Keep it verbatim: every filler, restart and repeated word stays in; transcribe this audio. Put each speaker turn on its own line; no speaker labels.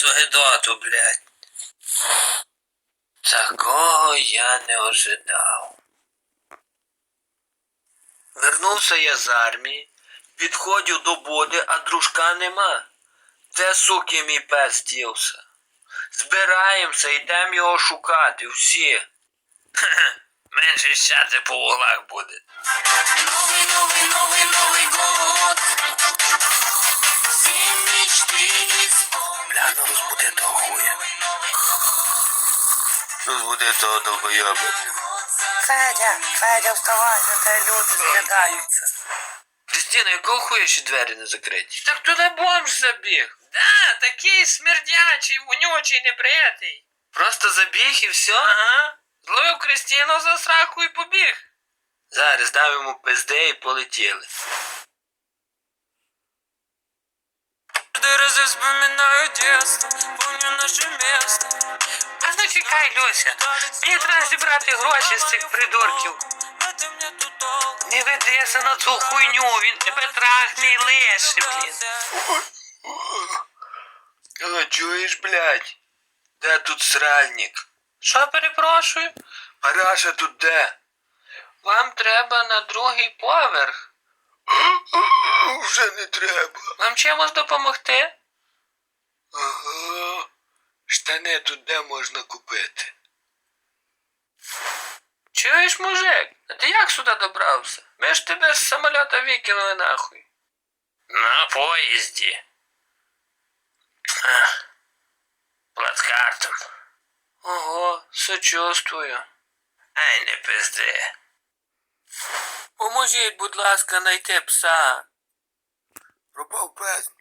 гидоту, блядь. Такого я не ожидав. Вернувся я з армії, підходив до буди, а дружка нема. Де, суки, мій пес дівся? Збираємося, йдемо його шукати, всі. Хе-хе, менше щати по углах буде.
Новый, новый, новый, Новый год. Все мечты исполнены.
Бля, ну розбуди того хуя. Розбуди того долбойоба.
Федя, Федя, вставай, на тебе люди зглядаються.
Кристина, якого хуя ще двері не закриті? Так туди бомж забіг. Да, такий смердячий, вонючий, неприятний. Просто забіг і все? Ага. Зловив Кристину за сраку і побіг. Зараз дам йому пизди і полетіли.
Каждый раз я вспоминаю детство, помню наше место.
А ну чекай, Люся, мені треба зібрати гроші з цих придурків.
В этом нету толку.
Не ведися на цю хуйню, він тебе трахне і лише, блін.
О, чуєш, блядь? Де тут сральник?
Що, перепрошую?
Параша тут де?
Вам треба на другий поверх.
Вже не треба.
Вам чимось допомогти?
Ага. Штани тут де можна купити?
Чуєш, мужик? А ти як сюди добрався? Ми ж тебе з самоліта викинули нахуй.
На поїзді. Плацкартом.
Ого, сочувствую.
Ай, не пизди.
Поможіть, будь ласка, знайти пса.
Пропав пес.